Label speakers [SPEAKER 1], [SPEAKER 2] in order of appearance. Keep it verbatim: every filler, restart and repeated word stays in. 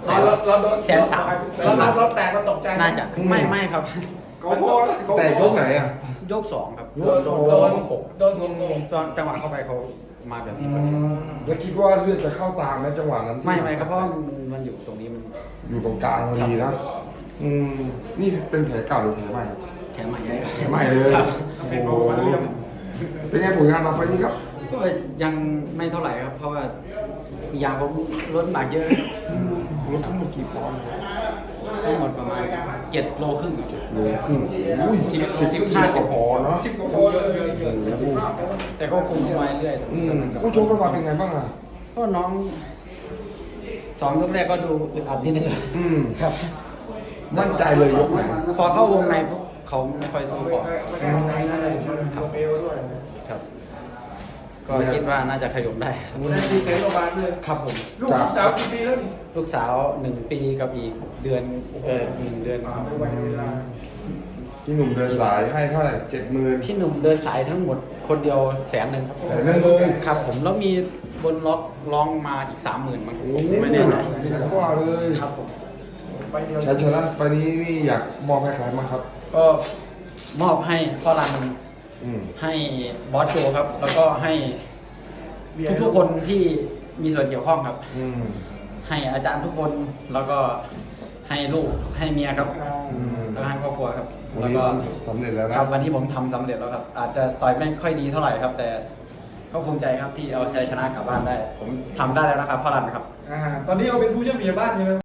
[SPEAKER 1] เราเราโดน
[SPEAKER 2] แสนสาม
[SPEAKER 1] เราเราเราแตกเราตกใจ
[SPEAKER 2] น่าจะไม่ไม่ครับ
[SPEAKER 3] เขาพอแล้วเขาพอ
[SPEAKER 4] แต่ยกไหนอ่ะ
[SPEAKER 2] ยกสองครับ
[SPEAKER 1] โดนโดนโดนงงง
[SPEAKER 2] ตอนจังหวะเข้าไปเขามาแบบนี้
[SPEAKER 4] แล้วคิดว่าเลือดจะเข้าตามไหมจังหวะนั้นที่
[SPEAKER 2] ไม่ไม่ครับเพราะมันมันอยู่ตรงนี้มัน
[SPEAKER 4] อยู่ตรงกลางพอดีนะอืมนี่เป็นแผลเก่าหรือแผลใหม่ครับ
[SPEAKER 2] แถมใหม่ใหญ่
[SPEAKER 4] แผลใหม่เลย
[SPEAKER 2] ครับ
[SPEAKER 4] โอ้โหเป็นไงผลงานเราไฟล์นี้ครับ
[SPEAKER 2] ก็ยังไม่เท่าไหร่ครับ เพราะว่าอีกอย่างผมลดน้ำหนักเยอะ
[SPEAKER 4] อืมลดทั้งหมดกี่ปอนด์
[SPEAKER 2] ทั้งหมดประมาณเจ็ดโลครึ่ง
[SPEAKER 4] โลครึ่งอุ้ย
[SPEAKER 2] สิบ
[SPEAKER 4] สิบ
[SPEAKER 2] สิบ
[SPEAKER 4] ห้าสิบปอนด์เนาะ
[SPEAKER 3] สิบกว่า
[SPEAKER 1] ๆ
[SPEAKER 3] ค
[SPEAKER 1] เย
[SPEAKER 3] น
[SPEAKER 1] อะเยอะเยอะเยอะ
[SPEAKER 4] โอ้โห
[SPEAKER 2] แต่ก็คุมไว้เรื่อย
[SPEAKER 4] อืมผู้ชมเรามาเป็นไงบ้างอ่ะ
[SPEAKER 2] ก็น้องสองยกแรกก็ดูอึดอัดนิดนึง
[SPEAKER 4] อืม
[SPEAKER 2] ครับ
[SPEAKER 4] มั่นใจเลยยกไหน
[SPEAKER 2] พอเข้าวงในปุ๊บเขาไม่ค่อยสู้ก่อน
[SPEAKER 3] ครับเอวด้วย
[SPEAKER 2] ครับ ก็คิดว่าน่าจะขยมได้
[SPEAKER 3] ได้ดีเซนประมาณเลย
[SPEAKER 2] ครับผม
[SPEAKER 3] ลูกสาวกี่ปีแล้วนี่
[SPEAKER 2] ลูกสาวหนึ่งปีกับอีกเดือนเออหนึ่งเดือนครับ
[SPEAKER 3] วันเวลา
[SPEAKER 4] พี่หนุ่มเดินสายให้เท่าไหร่เจ็ดหมื่น
[SPEAKER 2] พี่หนุ่มเดินสายทั้งหมดคนเดียวแสนหนึ่งครับ
[SPEAKER 4] แสนหนึ่งเลย
[SPEAKER 2] ครับผมแล้วมีบนล็อกร้องมาอีกสามหมื่นมั้ง
[SPEAKER 4] โอ้โห
[SPEAKER 2] ไม่แน่ใจ
[SPEAKER 4] แสนกว่าเลย
[SPEAKER 2] ครับผม
[SPEAKER 3] ไปเดียว
[SPEAKER 4] ชัยชนะไฟล์นี้นี่อยากมอบให้ใครบ้างครับ
[SPEAKER 2] ก็มอบให้พ่อรัน
[SPEAKER 4] อืม
[SPEAKER 2] ให้บอสโจครับ แล้วก็ให้ทุกๆคนที่มีส่วนเกี่ยวข้องครับ
[SPEAKER 4] อืม
[SPEAKER 2] ให้อาจารย์ทุกคนแล้วก็ให้ลูกให้เมียครับ
[SPEAKER 4] อืม
[SPEAKER 2] แล้วก็ให้ครอบครัวครับ
[SPEAKER 4] วัน
[SPEAKER 2] แล้ว
[SPEAKER 4] นี้
[SPEAKER 2] ก็
[SPEAKER 4] ทำสำเร็จแล้ว
[SPEAKER 2] ค
[SPEAKER 4] นะ
[SPEAKER 2] รับวันนี้ผมทำสำเร็จแล้วครับ อาจจะต่อยไม่ค่อยดีเท่าไหร่ครับ แต่ก็ภูมิใจครับที่เอาชัยชนะกลับบ้านได้ ผมทำได้แล้วนะครับพ่อรันครับ
[SPEAKER 3] อ่าตอนนี้เราเป็นผู้เชี่ยวชาญบ้านใช่ไหม